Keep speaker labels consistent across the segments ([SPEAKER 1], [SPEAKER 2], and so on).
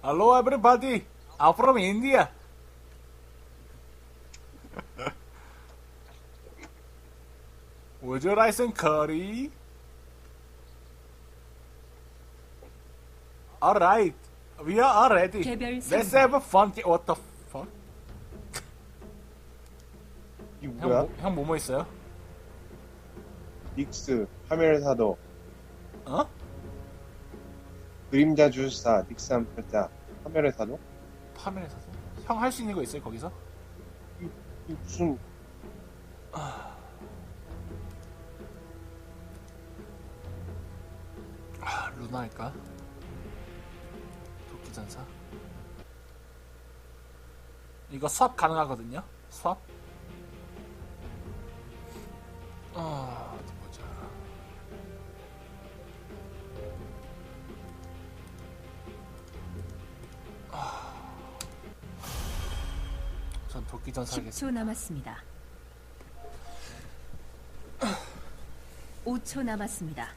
[SPEAKER 1] Hello everybody, I'm from India. Would you like some curry? Alright, we are all ready. Let's have a fun. What the fuck?
[SPEAKER 2] 이거 뭐야?
[SPEAKER 1] 형 뭐뭐 있어요?
[SPEAKER 2] 닉스, 파멸사도,
[SPEAKER 1] 어?
[SPEAKER 2] 그림자 주술사, 닉스 암살자, 파멸의 사도?
[SPEAKER 1] 파멸의 사도? 형 할 수 있는 거 있어요 거기서?
[SPEAKER 2] 이 무슨
[SPEAKER 1] 루나 할까? 도끼전사 이거 수압 가능하거든요? 수압? 어디 보자. 전 도끼전사 하겠습니다.
[SPEAKER 3] 10초 남았습니다. 5초 남았습니다.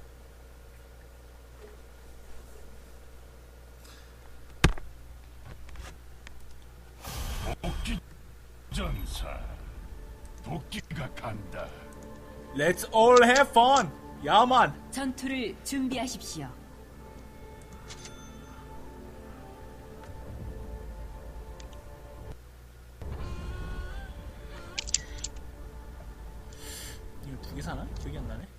[SPEAKER 4] 도끼전사, 도끼가 간다.
[SPEAKER 1] Let's all have fun! 야만!
[SPEAKER 3] 전투를 준비하십시오.
[SPEAKER 1] 이거 두 개 사나? 기억이 안 나네.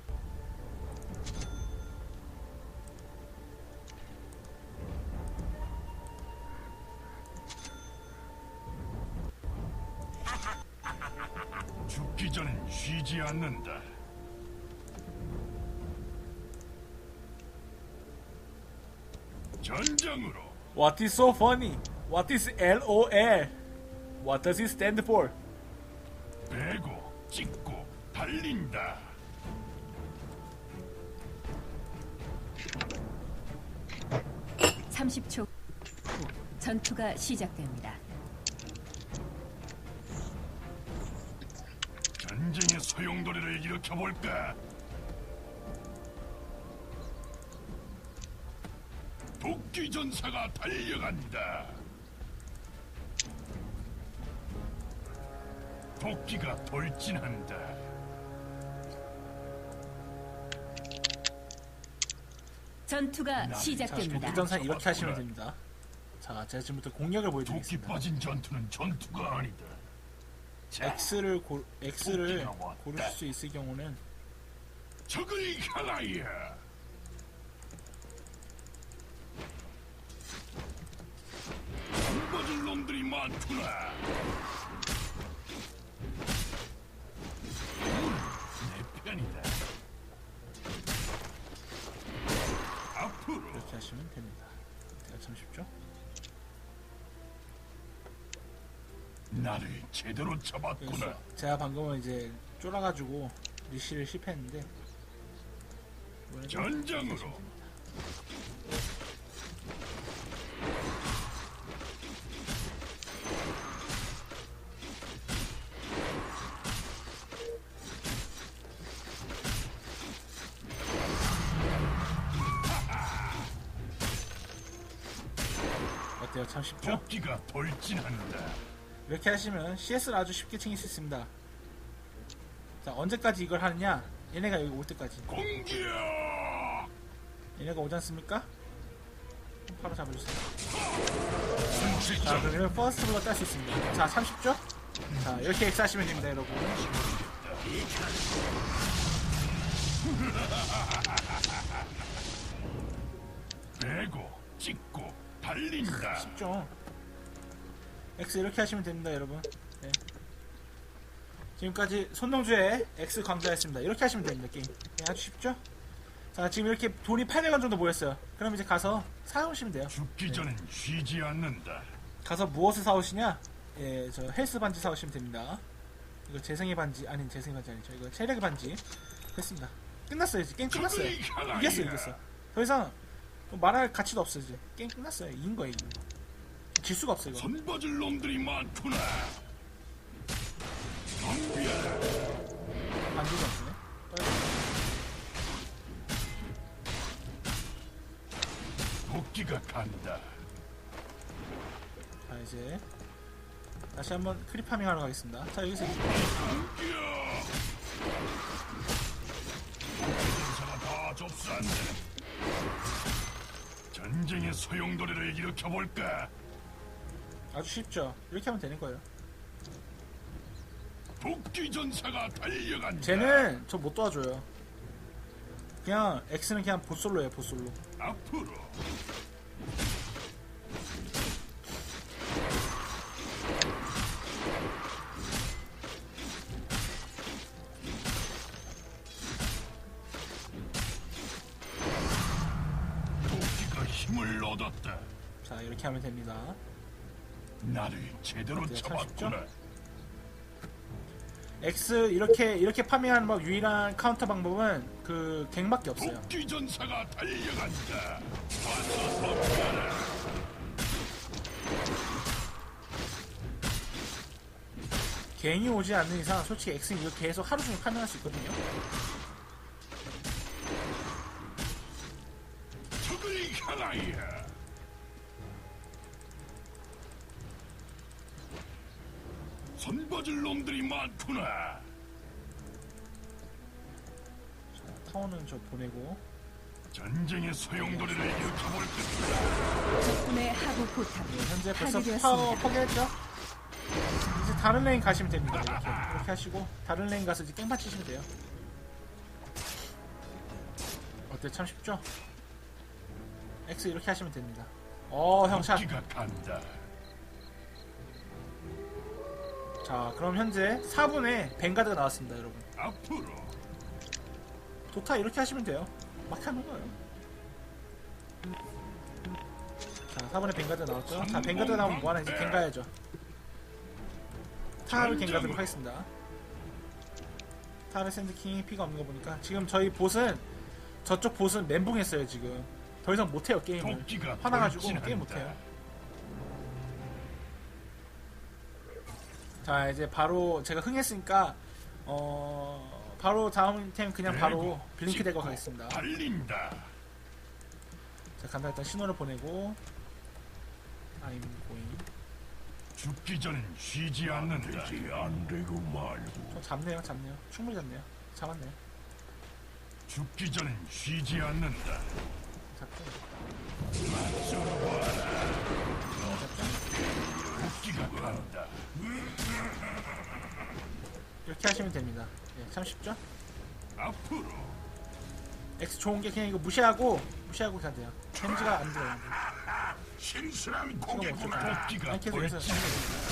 [SPEAKER 4] 죽기 전엔 쉬지 않는다. 전장으로.
[SPEAKER 1] What is so funny? What is LOL? What does it stand for?
[SPEAKER 4] 베고 찍고 달린다.
[SPEAKER 3] (30초) 후 전투가 시작됩니다.
[SPEAKER 4] 전쟁의 소용돌이를 일으켜볼까? 도끼전사가 달려간다. 도끼가 돌진한다.
[SPEAKER 3] 전투가
[SPEAKER 1] 자,
[SPEAKER 3] 시작됩니다.
[SPEAKER 1] 도끼전사 이렇게 하시면 됩니다. 자, 제가 지금부터 공략을
[SPEAKER 4] 도끼
[SPEAKER 1] 보여드리겠습니다.
[SPEAKER 4] 빠진 전투는 전투가 아니다. 자,
[SPEAKER 1] X를
[SPEAKER 4] 도끼가 왔다.
[SPEAKER 1] 고르실 수 있을 경우는
[SPEAKER 4] 적을 향하여. 숨버질 놈들이 많구나. 내 편이다. 앞으로.
[SPEAKER 1] 이렇게 하시면 됩니다. 참 쉽죠?
[SPEAKER 4] 나를 제대로 잡았구나.
[SPEAKER 1] 그래서 제가 방금은 이제 쫄아가지고 리시를 실패했는데 이번에는
[SPEAKER 4] 전장으로.
[SPEAKER 1] 이렇게 하시면 됩니다. 어때요? 참 쉽죠?
[SPEAKER 4] 도끼가 돌진한다.
[SPEAKER 1] 이렇게 하시면 CS를 아주 쉽게 챙길 수 있습니다. 자, 언제까지 이걸 하느냐? 얘네가 여기 올 때까지.
[SPEAKER 4] 공격!
[SPEAKER 1] 얘네가 오지 않습니까? 바로 잡아주세요. 자,
[SPEAKER 4] 순식간
[SPEAKER 1] 그러면 퍼스트 블러 딸 수 있습니다. 자, 참 쉽죠? 자, 이렇게 X 하시면 됩니다, 여러분.
[SPEAKER 4] 베고 찍고 달린다.
[SPEAKER 1] 쉽죠? X 이렇게 하시면 됩니다, 여러분. 네. 지금까지 손동주의 X 강좌였습니다. 이렇게 하시면 됩니다, 게임. 네, 아주 쉽죠? 자, 지금 이렇게 돈이 800원 정도 모였어요. 그럼 이제 가서 사오시면 돼요.
[SPEAKER 4] 죽기 전엔 쉬지 않는다.
[SPEAKER 1] 가서 무엇을 사오시냐? 예, 저 헬스 반지 사오시면 됩니다. 이거 재생의 반지, 아니 재생의 반지 아니죠. 이거 체력의 반지. 됐습니다. 끝났어요. 이제 게임 끝났어요. 이겼어. 더 이상 뭐 말할 가치도 없어요. 이제 게임 끝났어요. 이긴 거예요. 이긴 거. 질 수가 없어요. 이거.
[SPEAKER 4] 손버질 놈들이 많구나. 덤벼라.
[SPEAKER 1] 반지가 없네.
[SPEAKER 4] 도끼가 간다.
[SPEAKER 1] 자 이제 다시 한번 크립 파밍 하러 가겠습니다. 자 여기서
[SPEAKER 4] 전사가 다 접수한다. 전쟁의 소용돌이를 일으켜볼까?
[SPEAKER 1] 아주 쉽죠. 이렇게 하면 되는 거예요.
[SPEAKER 4] 도끼 전사가 달려간다.
[SPEAKER 1] 쟤는 저 못 도와줘요. 그냥 X는 그냥 보솔로예요. 보솔로.
[SPEAKER 4] 앞으로. 도끼가 힘을 얻었다.
[SPEAKER 1] 자 이렇게 하면 됩니다.
[SPEAKER 4] 나를 제대로
[SPEAKER 1] 어때요? 참
[SPEAKER 4] 잡았구나.
[SPEAKER 1] X 이렇게 파밍하는 법 유일한 카운터 방법은 그 갱밖에 없어요.
[SPEAKER 4] 도끼 전사가 달려간다. 와서 덮쳐라.
[SPEAKER 1] 갱이 오지 않는 이상 솔직히 X는 이거 계속 하루 종일 파밍할 수 있거든요.
[SPEAKER 4] 적을 향하여. 손버질 놈들이 많구나.
[SPEAKER 1] 자, 타워는 저 보내고
[SPEAKER 4] 전쟁의 소용돌이를 일으켜볼 것이다.
[SPEAKER 3] 적군의 하부 포탑
[SPEAKER 1] 네, 현재 벌써
[SPEAKER 3] 파괴되었습니다.
[SPEAKER 1] 파워 포기했죠? 이제 다른 레인 가시면 됩니다. 이렇게 하시고 다른 레인 가서 이제 깽판 치시면 돼요. 어때? 참 쉽죠? X 이렇게 하시면 됩니다. 형 샷.
[SPEAKER 4] 도끼가 간다.
[SPEAKER 1] 자 그럼 현재 4분에 뱅가드가 나왔습니다 여러분.
[SPEAKER 4] 앞으로.
[SPEAKER 1] 도타 이렇게 하시면 돼요. 막 하는 거예요. 자 4분에 뱅가드 나왔죠. 자 뱅가드 나오면 뭐하나 이제 갱 가야죠. 타를 갱가드로 하겠습니다. 타르 샌드킹이 피가 없는 거 보니까 지금 저희 보스는 저쪽 보스는 멘붕했어요 지금. 더 이상 못해요 게임을.
[SPEAKER 4] 도끼가
[SPEAKER 1] 화나가지고
[SPEAKER 4] 돌진한다.
[SPEAKER 1] 게임 못해요. 자 이제 바로 제가 흥했으니까 바로 다음 템 그냥 바로 블링크 대거 가겠습니다.
[SPEAKER 4] 달린다.
[SPEAKER 1] 자 간다. 일단 신호를 보내고 I'm going.
[SPEAKER 4] 죽기 전엔 쉬지 않는다. 안 되고 말고.
[SPEAKER 1] 잡네요. 충분히 잡네요. 잡았네요.
[SPEAKER 4] 죽기 전엔 쉬지 않는다.
[SPEAKER 1] 잡고.
[SPEAKER 4] 도끼가 간다.
[SPEAKER 1] 이렇게 하시면 됩니다. 예, 참 쉽죠?
[SPEAKER 4] 앞으로.
[SPEAKER 1] X 좋은 게 그냥 이거 무시하고 가야 돼요. 데미지가 안 들어요.
[SPEAKER 4] 신선한
[SPEAKER 1] 지금
[SPEAKER 4] 고개구나.
[SPEAKER 1] 어쩌죠?
[SPEAKER 4] 도끼가
[SPEAKER 1] 아니 계속 해서
[SPEAKER 4] 돌진.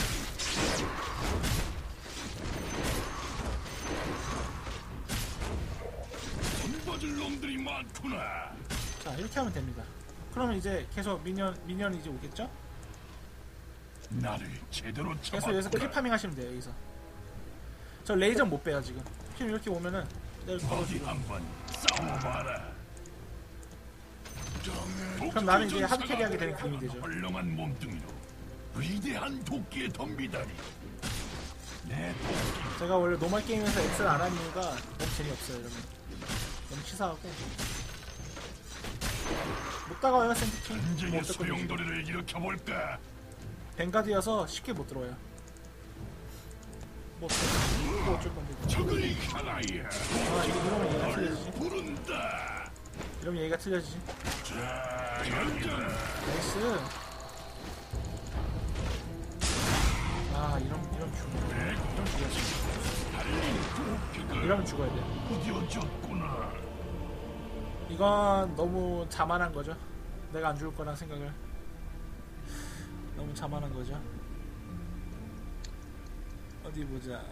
[SPEAKER 4] 손버질 놈들이 많구나.
[SPEAKER 1] 자 이렇게 하면 됩니다. 그러면 이제 계속 미니언이 이제 오겠죠?
[SPEAKER 4] 나를 제대로
[SPEAKER 1] 계속
[SPEAKER 4] 잡았구나.
[SPEAKER 1] 여기서 클리파밍 하시면 돼요. 여기서 저 레이저 못 빼요 지금. 지금 이렇게 오면은 내가
[SPEAKER 4] 어디
[SPEAKER 1] 걸어주고.
[SPEAKER 4] 한번 싸워봐라.
[SPEAKER 1] 그럼 나는 이제 하드 캐리하게 되는 그림이 되죠.
[SPEAKER 4] 헐렁한 몸뚱이로 위대한 도끼에 덤비다니. 내 도끼.
[SPEAKER 1] 제가 원래 노멀 게임에서 X를 안 하는 이유가 너무 재미없어요 여러분. 너무 치사하고 못 다가와요 샌드킹. 못
[SPEAKER 4] 전쟁의
[SPEAKER 1] 어쨌거든요.
[SPEAKER 4] 소용돌이를 일으켜볼까?
[SPEAKER 1] 뱅가드여서 쉽게 못 들어와요. 뭐 어쩔 건데.
[SPEAKER 4] 적을 향하여
[SPEAKER 1] 이러면 얘기가 틀려지지.
[SPEAKER 4] 부른다.
[SPEAKER 1] 이러면 얘기가 틀려지지.
[SPEAKER 4] 자, 연장.
[SPEAKER 1] 나이스. 이러면 죽어요. 이러면 죽어야 돼.
[SPEAKER 4] 부뎌졌구나.
[SPEAKER 1] 이건 너무 자만한 거죠. 내가 안 죽을 거란 생각을. 너무 자만한 거죠. 어디 보자.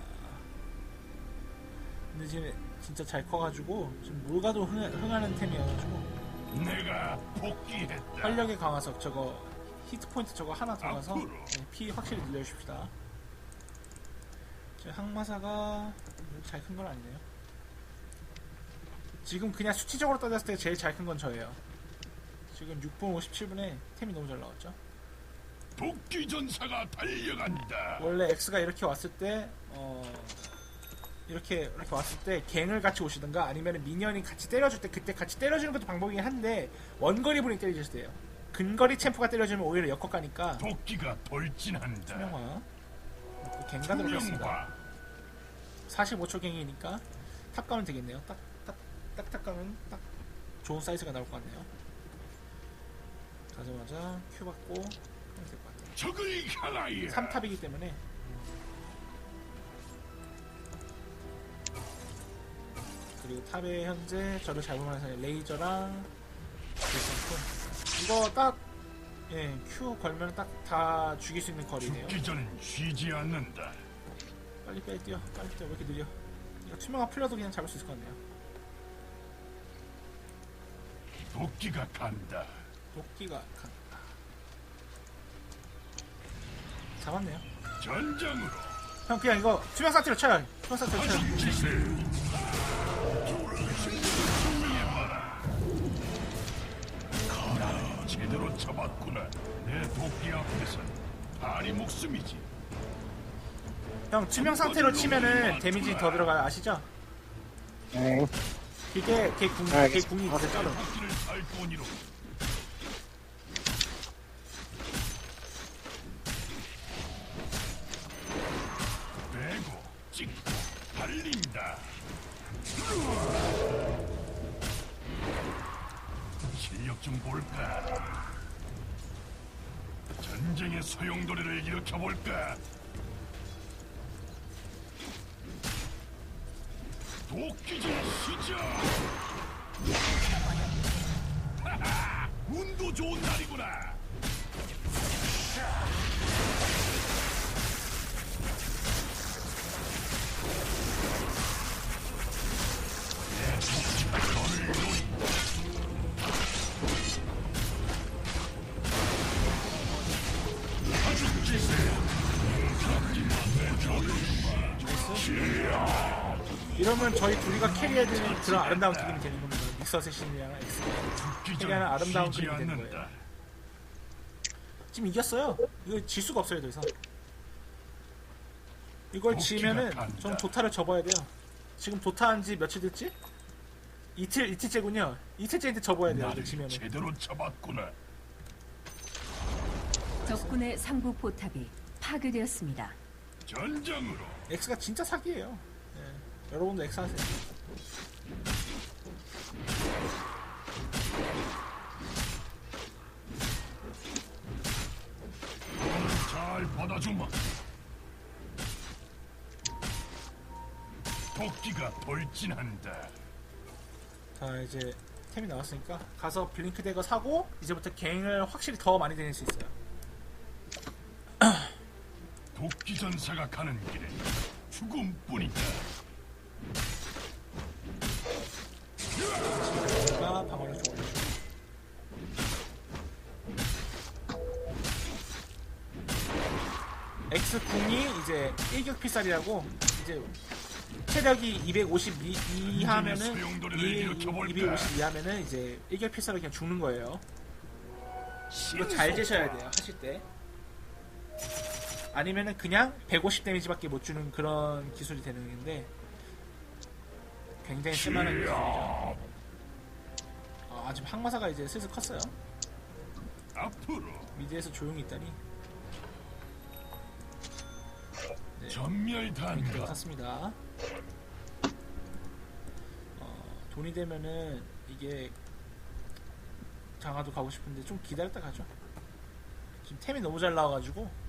[SPEAKER 1] 근데 지금 진짜 잘 커가지고 지금 뭘 가도 흥하는 템이어가지고
[SPEAKER 4] 내가 복귀했다.
[SPEAKER 1] 활력의 강화석 저거 히트 포인트 저거 하나 더 가서
[SPEAKER 4] 앞으로.
[SPEAKER 1] 피 확실히 늘려줍시다. 제 항마사가 잘 큰 건 아니네요. 지금 그냥 수치적으로 따졌을 때 제일 잘 큰 건 저예요. 지금 6분 57분에 템이 너무 잘 나왔죠.
[SPEAKER 4] 도끼 전사가 달려간다.
[SPEAKER 1] 원래 X가 이렇게 왔을 때 이렇게 왔을 때 갱을 같이 오시든가 아니면 미니언이 같이 때려줄 때 그때 같이 때려주는 것도 방법이긴 한데 원거리 분이 때려줄 때요. 근거리 챔프가 때려주면 오히려 역컷 가니까
[SPEAKER 4] 도끼가 돌진한다.
[SPEAKER 1] 투명화 또 갱가도록 했습니다. 45초 갱이니까 탑 가면 되겠네요. 딱 가면 딱 좋은 사이즈가 나올 것 같네요. 가자마자 큐 받고 하면 될 것 같아요.
[SPEAKER 4] 적을 향하여
[SPEAKER 1] 3탑이기 때문에 그리고 탑에 현재 저를 잡으면서 레이저랑 이거 딱 예, 큐 걸면 딱 다 죽일 수 있는 거리네요.
[SPEAKER 4] 죽기 전엔 쉬지 않는다.
[SPEAKER 1] 빨리 뛰어 빨리 뛰어. 왜 이렇게 느려? 이거 투명화 풀려도 그냥 잡을 수 있을 것 같네요.
[SPEAKER 4] 도끼가 간다.
[SPEAKER 1] 도끼가 간다. 잡았네요.
[SPEAKER 4] 전장으로
[SPEAKER 1] 형 그냥 이거 투명 상태로 쳐요. 투명 상태로 쳐요.
[SPEAKER 4] 기세. 제대로 잡았구나. 내 도끼 앞에서 다리 목숨이지.
[SPEAKER 1] 형 투명 상태로 치면은 데미지 더 들어가요. 아시죠?
[SPEAKER 2] 네.
[SPEAKER 1] 이게 걔 궁이 더 짜로.
[SPEAKER 4] 도끼를 살 뿐이로. 빼고 찍고 달린다. 실력 좀 볼까? 전쟁의 소용돌이를 일으켜볼까? 도끼질 시작! 하하! 운도 좋은 날이구나!
[SPEAKER 1] 이러면 저희 둘이가 캐리해야 되는 그런 아름다운 그림이 되는 겁니다. 믹서의 신이랑 엑스 캐리하는 아름다운 그림이 되는 거예요. 지금 이겼어요. 이거 질 수가 없어요. 더 이상 이걸 지면은 좀 도타를 접어야 돼요. 지금 도타한 지 며칠 됐지? 이틀째군요. 이틀째인데 접어야 돼요. 이거 지면은.
[SPEAKER 4] 제대로 잡았구나.
[SPEAKER 3] 적군의 상부 포탑이 파괴되었습니다.
[SPEAKER 4] 전장으로.
[SPEAKER 1] 엑스가 진짜 사기예요. 예. 여러분도 엑스 하세요.
[SPEAKER 4] 잘 받아주마. 도끼가 돌진한다.
[SPEAKER 1] 자 이제 템이 나왔으니까 가서 블링크 대거 사고 이제부터 갱을 확실히 더 많이 다닐 수 있어요.
[SPEAKER 4] 도끼 전사가 가는 길에 죽음뿐이다.
[SPEAKER 1] 제가 방어를 좀 올려주고 X 궁이 이제 일격 필살이라고 이제 체력이 252 이하면은 250 이하면은 이제 일격 필살로 그냥 죽는 거예요. 이거 잘 재셔야 돼요 하실 때. 아니면은 그냥 150 데미지밖에 못 주는 그런 기술이 되는 건데 굉장히 쓸만한 기술이죠. 아 지금 항마사가 이제 슬슬 컸어요.
[SPEAKER 4] 앞으로
[SPEAKER 1] 미드에서 조용히 있다니. 네,
[SPEAKER 4] 전멸단가.
[SPEAKER 1] 샀습니다. 돈이 되면은 이게 장화도 가고 싶은데 좀 기다렸다 가죠. 지금 템이 너무 잘 나와가지고.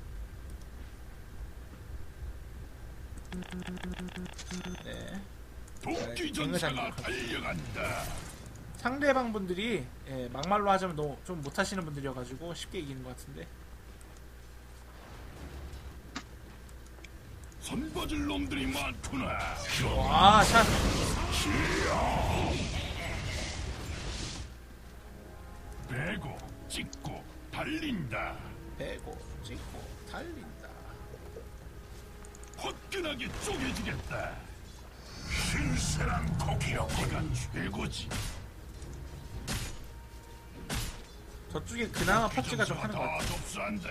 [SPEAKER 1] 네.
[SPEAKER 4] 도끼 전사가 달려간다.
[SPEAKER 1] 상대방 분들이 예, 막말로 하자면 너무 좀 못하시는 분들이어가지고 쉽게 이기는 것 같은데.
[SPEAKER 4] 손버질 놈들이 많구나.
[SPEAKER 1] 와, 샷.
[SPEAKER 4] 빼고 찍고 달린다.
[SPEAKER 1] 빼고 찍고 달린다.
[SPEAKER 4] 화끈하게 쪼개주겠다. 신세란 고기여가 최고지.
[SPEAKER 1] 저쪽에 그나마 퍼치가 좀 하는 것 같아요.
[SPEAKER 4] 접수한다.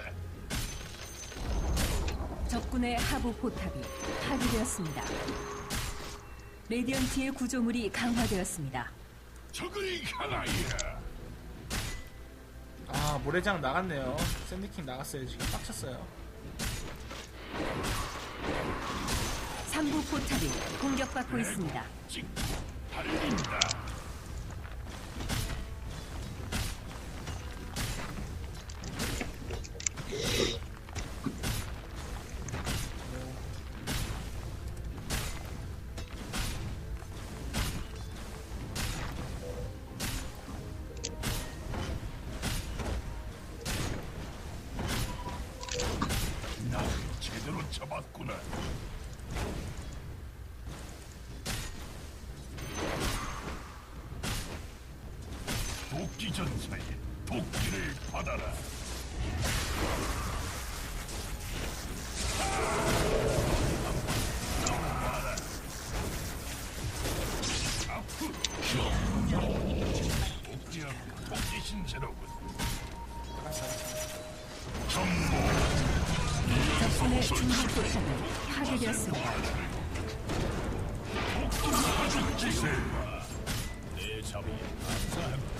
[SPEAKER 3] 적군의 하부 포탑이 파괴되었습니다. 레디언트의 구조물이 강화되었습니다.
[SPEAKER 4] 적을 향하여.
[SPEAKER 1] 아 모래장 나갔네요. 샌드킹 나갔어요. 지금 빡쳤어요.
[SPEAKER 3] 3부 포탑이 공격받고 있습니다.
[SPEAKER 4] 찍고 달린다. 나를 제대로 잡았구나. 도끼 전사에 도끼를 받아라. 앞으로 도끼하고 도끼 신세로군. 정보
[SPEAKER 3] 적군의 중부 포탑이 파괴되었습니다.
[SPEAKER 4] 기세. 내 자비에 감사합니다.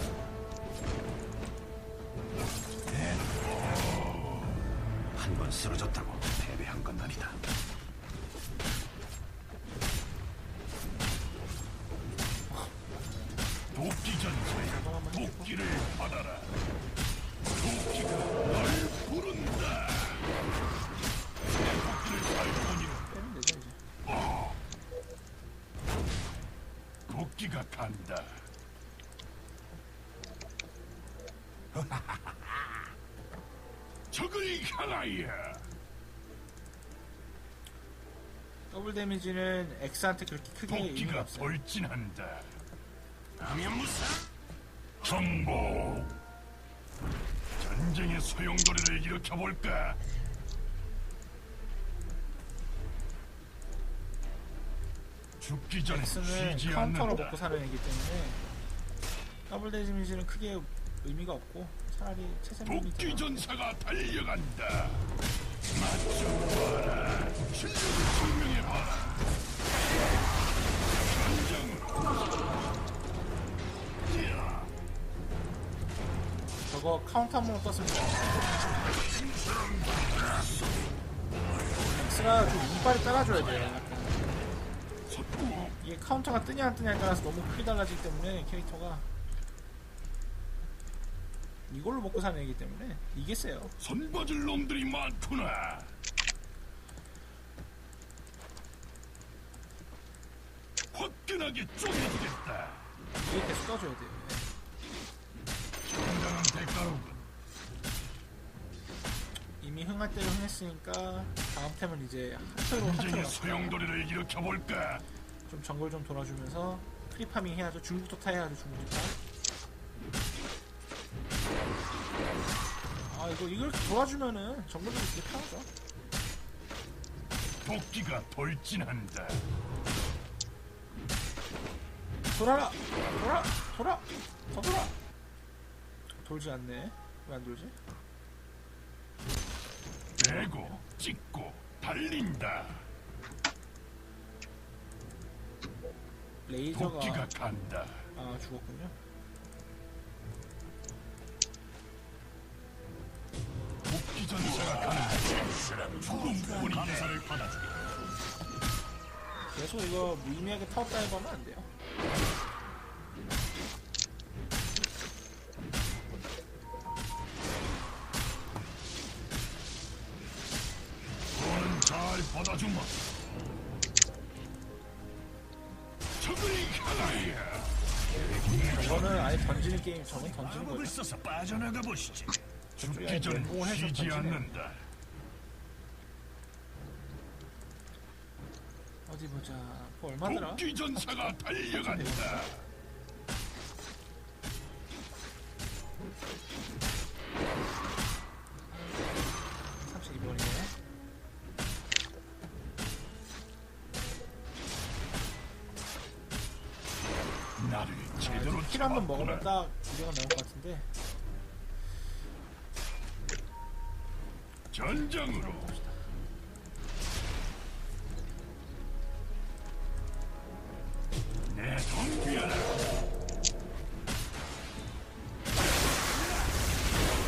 [SPEAKER 4] 한 번 쓰러졌다고 패배한 건 아니다. 도끼 전사에 도끼를 받아라. 도끼가 널 부른다. 내 도끼를 살펴보니
[SPEAKER 1] 빼면 되죠 이제.
[SPEAKER 4] 도끼가 간다. 적을 향하여.
[SPEAKER 1] 더블 데미지는 X한테 그렇게 크게 의미가
[SPEAKER 4] 도끼가
[SPEAKER 1] 없어요.
[SPEAKER 4] 돌진한다. 남연무사 정보. 전쟁의 소용돌이를 일으켜볼까? 죽기 전에
[SPEAKER 1] X는
[SPEAKER 4] 쉬지
[SPEAKER 1] 카운터로
[SPEAKER 4] 않는다.
[SPEAKER 1] 먹고 사는 애기 때문에 더블 데미지는 크게 의미가 없고 차라리 체세님이
[SPEAKER 4] 도끼 전사가 달려간다. 맞춰봐라. 실력을 증명해봐라.
[SPEAKER 1] 저거 카운터 한 번 떴으면 X가 좀 이빨이 따라줘야 돼요. 이게 카운터가 뜨냐 안 뜨냐에 따라서 너무 크게 달라지기 때문에 캐릭터가 이걸로 먹고 사는 애기 때문에 이게 세요.
[SPEAKER 4] 손봐줄 놈들이 많구나. 화끈하게 쪼개주겠다.
[SPEAKER 1] 이게 계속 떠줘야 돼요.
[SPEAKER 4] 정당한 대가로군.
[SPEAKER 1] 이미 흥할 대로 흥했으니까 다음 템은 이제 하트로
[SPEAKER 4] 전쟁의 소용돌이를 일으켜볼까?
[SPEAKER 1] 좀 정글 좀 돌아주면서 크리파밍 해야죠. 중국도 타야죠. 중국도 타. 아 이걸 도와주면은 정글도 되게 편하죠.
[SPEAKER 4] 도끼가 돌진한다.
[SPEAKER 1] 돌아라! 더 돌아! 돌지 않네. 왜 안 돌지?
[SPEAKER 4] 베고 찍고 달린다.
[SPEAKER 1] 레이저가
[SPEAKER 4] 도끼가 간다.
[SPEAKER 1] 아 죽었군요.
[SPEAKER 4] 도끼 전사가 가는 죽음 부분이 감사를 받아주게.
[SPEAKER 1] 계속 이거 무의미하게 타워 다이브 하면 안 돼요.
[SPEAKER 4] 너는 잘 받아주마. 적을 향하여.
[SPEAKER 1] 이거는 아예 던지는 게임, 저건 던지는
[SPEAKER 4] 마법을
[SPEAKER 1] 거죠.
[SPEAKER 4] 써서 빠져나가 보시지. 죽기
[SPEAKER 1] 아예
[SPEAKER 4] 전
[SPEAKER 1] 멘붕을 해서
[SPEAKER 4] 쉬지
[SPEAKER 1] 던지네.
[SPEAKER 4] 않는다.
[SPEAKER 1] 어디 보자. 그거 얼마더라?
[SPEAKER 4] 도끼 전사가 달려간다. 나를 제대로
[SPEAKER 1] 킬 한 번 먹으면
[SPEAKER 4] 잡았구나.
[SPEAKER 1] 딱 200원 나올 것 같은데.
[SPEAKER 4] 전장으로. 내 덤비어라.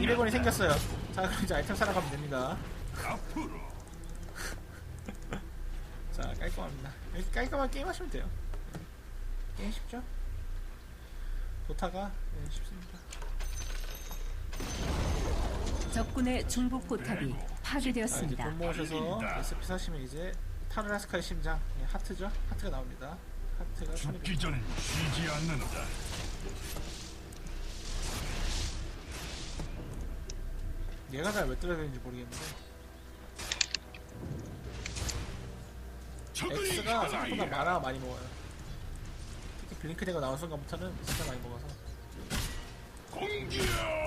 [SPEAKER 1] 200원이 생겼어요. 자, 그럼 이제 아이템 사러 가면 됩니다.
[SPEAKER 4] 앞으로
[SPEAKER 1] 자, 깔끔합니다. 이렇게 깔끔하게 게임 하시면 돼요. 게임 쉽죠? 도타가 네, 쉽습니다.
[SPEAKER 3] 적군의 중부 포탑이
[SPEAKER 1] 자, 이제
[SPEAKER 3] 파괴되었습니다.
[SPEAKER 1] 돈 모으셔서 SP 사시면 이제 타르라스카의 심장, 예, 하트죠? 하트가 나옵니다. 하트가 1200.
[SPEAKER 4] 죽기 전엔 쉬지 않는다.
[SPEAKER 1] 얘가 잘 왜 떨어야 되는지 모르겠는데 X가 생각보다 만화 많이 먹어요. 특히 블링크대가 나온 순간부터는 진짜 많이 먹어서.
[SPEAKER 4] 공격!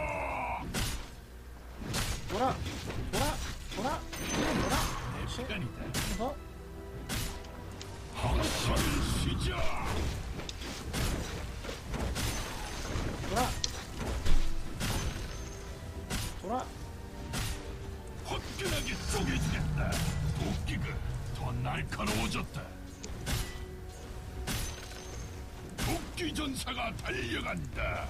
[SPEAKER 1] 돌아! 돌아! 돌아! 돌아! 그렇지.
[SPEAKER 4] 시간이다.
[SPEAKER 1] 더.
[SPEAKER 4] 학살 시작!
[SPEAKER 1] 돌아! 돌아!
[SPEAKER 4] 화끈하게 쪼개주겠다. 도끼가 더 날카로워졌다. 도끼 전사가 달려간다.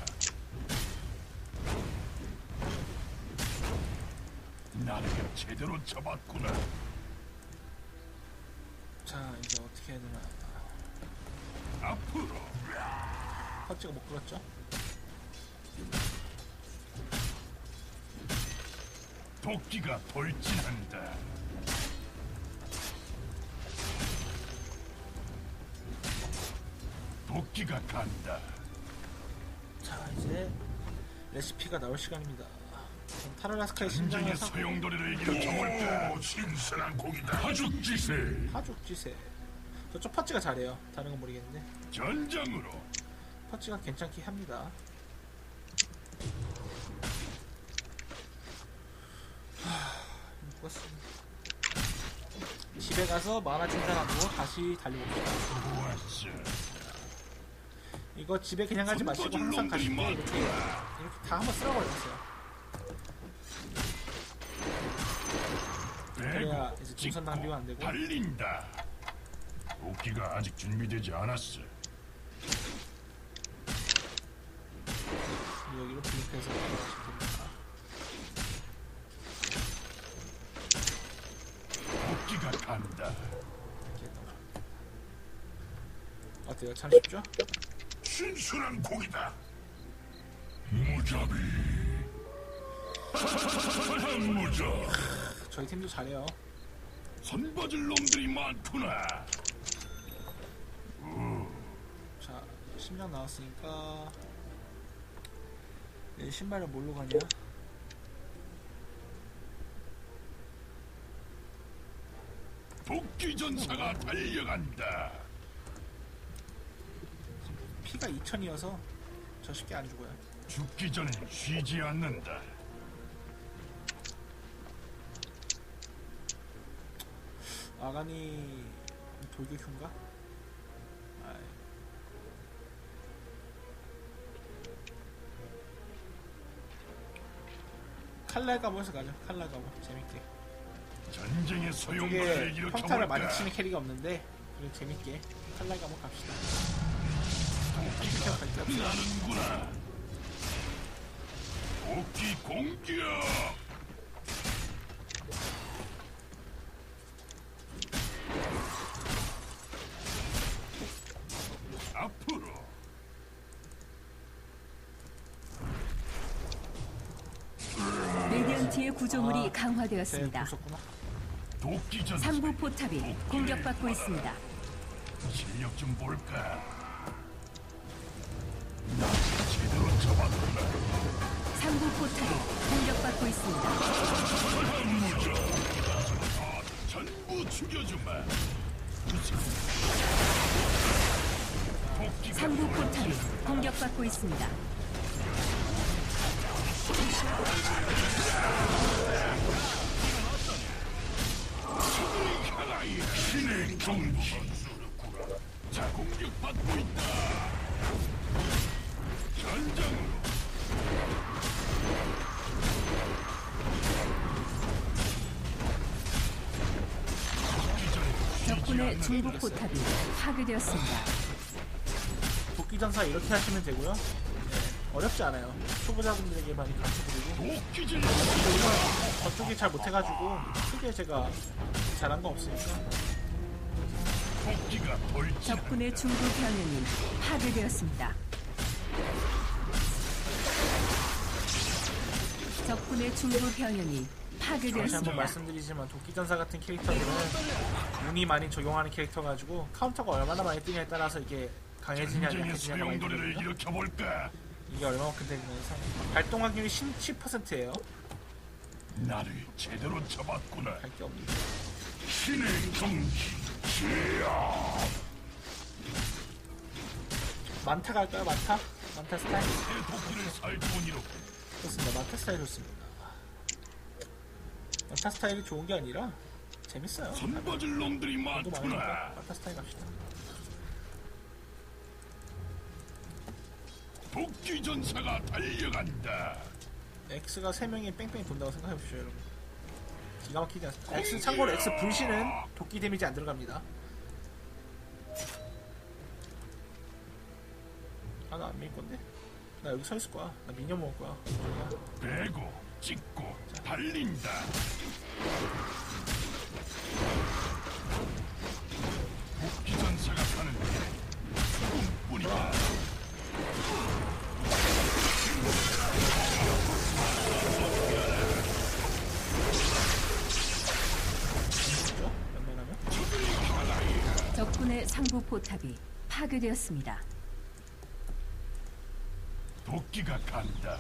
[SPEAKER 4] 나를 제대로 잡았구나.
[SPEAKER 1] 자, 이제 어떻게 해야 되나.
[SPEAKER 4] 앞으로
[SPEAKER 1] 헛지가 못 끌었죠?
[SPEAKER 4] 도끼가 돌진한다. 도끼가 간다.
[SPEAKER 1] 자, 이제 레시피가 나올 시간입니다. 그럼 타르라스카의 심장을
[SPEAKER 4] 전쟁의
[SPEAKER 1] 사고
[SPEAKER 4] 소용돌이를 일으켜볼까. 신선한 고기다. 하죽지세.
[SPEAKER 1] 하죽지세. 저쪽 퍼치가 잘해요. 다른 건 모르겠는데
[SPEAKER 4] 전장으로.
[SPEAKER 1] 퍼치가 괜찮게 합니다. 죽었습니다. 집에 가서 만화 충전하고 다시 달려봅시다.
[SPEAKER 4] 좋았어.
[SPEAKER 1] 이거 집에 그냥 가지 마시고 항상 가실 때 이렇게 다 한번 쓸어버렸어요. 그래야 이제 동선 낭비가 안 되고.
[SPEAKER 4] 달린다. 도끼가 아직 준비되지 않았어.
[SPEAKER 1] 여기로 블링크해서 들어가시면 됩니다.
[SPEAKER 4] 도끼가 간다.
[SPEAKER 1] 이렇게 넣어줍니다. 어때요? 참 쉽죠?
[SPEAKER 4] 신선한 고기다. 무자비. 무자.
[SPEAKER 1] 저희 팀도 잘해요.
[SPEAKER 4] 선봐줄 놈들이 많구나.
[SPEAKER 1] 자, 심장 나왔으니까 내 신발을 뭘로 가냐?
[SPEAKER 4] 도끼 전사가 달려간다.
[SPEAKER 1] 피가 2000이어서 저 쉽게 안 죽어요.
[SPEAKER 4] 죽기 전엔 쉬지 않는다.
[SPEAKER 1] 아가니 돌격흉가? 아이. 칼날가보에서 가죠. 칼날가보 재밌게.
[SPEAKER 4] 전쟁의 소용돌이를
[SPEAKER 1] 이게 평타를 많이
[SPEAKER 4] 일으켜볼까.
[SPEAKER 1] 치는 캐릭이 없는데 그래도 재밌게 칼날가보 갑시다.
[SPEAKER 4] 도끼가 나는구나. 도끼 공격. 앞으로.
[SPEAKER 3] 레디언트의 구조물이
[SPEAKER 1] 네,
[SPEAKER 3] 강화되었습니다.
[SPEAKER 1] 무섭구나.
[SPEAKER 4] 도끼 전사.
[SPEAKER 3] 3부 포탑이 공격받고 있습니다.
[SPEAKER 4] 실력 좀 볼까. 나 제대로 잡았구나.
[SPEAKER 3] 3부 포탑이 공격받고 있습니다.
[SPEAKER 4] 전부 죽여주마. 도끼가
[SPEAKER 3] 3부 포탑이 공격받고 있습니다.
[SPEAKER 4] 하나의 신의 경지. 자, 공격받고 있다. 전장으로.
[SPEAKER 3] 적군의 중부 포탑이 파괴되었습니다.
[SPEAKER 1] 도끼전사 이렇게 하시면 되고요. 네, 어렵지 않아요. 초보자분들에게 많이 가르쳐드리고
[SPEAKER 4] 도끼질
[SPEAKER 1] 저쪽이 잘 못해가지고 크게 제가 잘한 거 없으니까.
[SPEAKER 4] 도끼가 돌진.
[SPEAKER 3] 적군의 중부 병력이 파괴되었습니다. 적군의 중부 병력이
[SPEAKER 1] 다시 한번
[SPEAKER 3] 파괴되었습니다.
[SPEAKER 1] 말씀드리지만 도끼전사 같은 캐릭터들은 운이 많이 적용하는 캐릭터 가지고 카운터가 얼마나 많이 뜨냐에 따라서 이게 강해지냐
[SPEAKER 4] 전쟁의
[SPEAKER 1] 약해지냐가 많이
[SPEAKER 4] 소용돌이를
[SPEAKER 1] 되거든요.
[SPEAKER 4] 일으켜볼까?
[SPEAKER 1] 이게 얼마만큼 되면서 발동 확률이 10%예요.
[SPEAKER 4] 나를 제대로 잡았구나.
[SPEAKER 1] 할 게 없는.
[SPEAKER 4] 신의 경기.
[SPEAKER 1] 만타 갈까요? 만타? 만타 스타일?
[SPEAKER 4] 내 도끼를 살돈이로
[SPEAKER 1] 좋습니다. 만타 스타일 좋습니다. 만타 스타일이 좋은 게 아니라 재밌어요.
[SPEAKER 4] 손버질 놈들이
[SPEAKER 1] 또 많으니까
[SPEAKER 4] 많구나.
[SPEAKER 1] 만타 스타일 갑시다.
[SPEAKER 4] 도끼 전사가 달려간다.
[SPEAKER 1] X가 3명이 뺑뺑이 돈다고 생각해보십시오, 여러분. 기가 막히지 않습니까? X, 참고로 X 불신은 도끼 데미지 안 들어갑니다. 아, 나 안 밀 건데? 나 여기 서 있을 거야. 나 미녀 먹을 거야.
[SPEAKER 4] 베고 찍고 달린다. 도끼 전사가 사는 꿈뿐이다.
[SPEAKER 1] 그죠? 웬만하면?
[SPEAKER 3] 적군의 상부 포탑이 파괴되었습니다.
[SPEAKER 4] 도끼가 간다.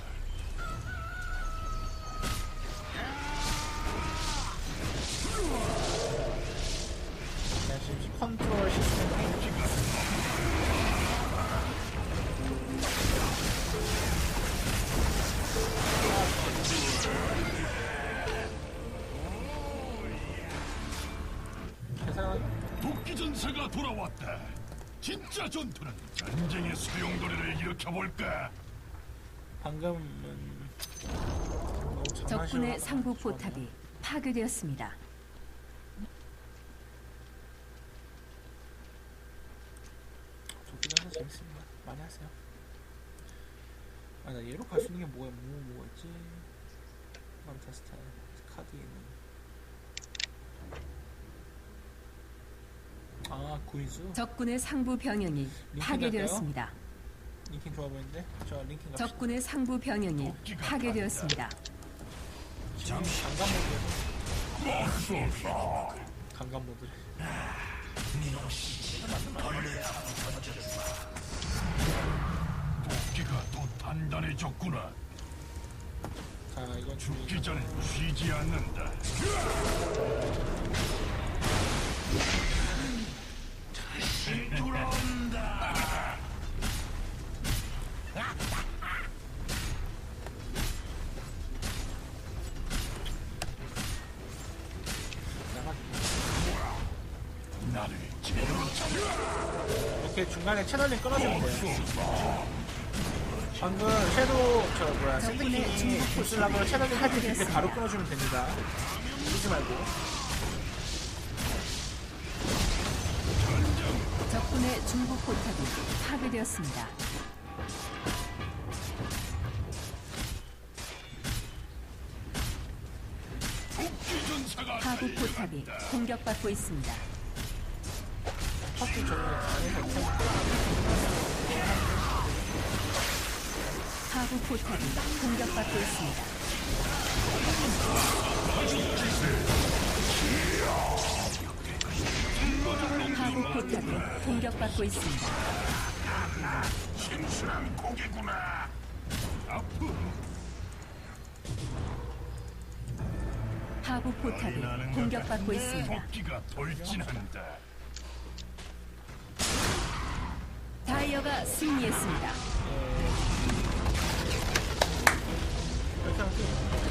[SPEAKER 1] 그냥 지금 컨트롤 시스템. 계산.
[SPEAKER 4] 도끼 전사가 돌아왔다. 진짜 전투는 전쟁의 소용돌이를 일으켜볼까?
[SPEAKER 1] 방금은 너무 장난식으로
[SPEAKER 3] 적군의
[SPEAKER 1] 하다가
[SPEAKER 3] 상부
[SPEAKER 1] 좋았네요.
[SPEAKER 3] 포탑이 파괴되었습니다.
[SPEAKER 1] 도끼는 재밌습니다. 많이 하세요. 아, 나 얘로 갈 수 있는 게 뭐였지? 만타 스타일 카드 있는. 아, 구이즈.
[SPEAKER 3] 적군의 상부 병력이 파괴되었습니다.
[SPEAKER 1] 링킹 좋아 보이는데? 저 링킹 갑시다.
[SPEAKER 3] 적군의 상부 병력이 파괴되었습니다.
[SPEAKER 1] 지금 강간 모드.
[SPEAKER 4] 도끼가 또 단단해졌구나.
[SPEAKER 1] 자, 이건
[SPEAKER 4] 죽기 전에 쉬지 않는다. 다시 돌아온다. 나를 제대로 잡아.
[SPEAKER 1] 이렇게 중간에 채널링 끊어주면 돼요. 방금 섀도우 샌드킹이 보스라고 채널링 할 때 바로 끊어주면 됩니다. 쓰지 말고.
[SPEAKER 3] 적군의 중부 포탑이 파괴되었습니다.
[SPEAKER 4] 도끼 전사가
[SPEAKER 3] 하부 포탑이 공격받고 있습니다.
[SPEAKER 1] 퍼스 저는 안에서
[SPEAKER 3] 하부 포탑이 공격받고 있습니다. 하부 포탑이 공격받고 있습니다.
[SPEAKER 4] 신선한 고기구나. 아프.
[SPEAKER 3] 하부 포탑이 공격받고 있습니다.
[SPEAKER 4] 도끼가 돌진한다.
[SPEAKER 3] 다이어가 승리했습니다.
[SPEAKER 1] 이렇게 하면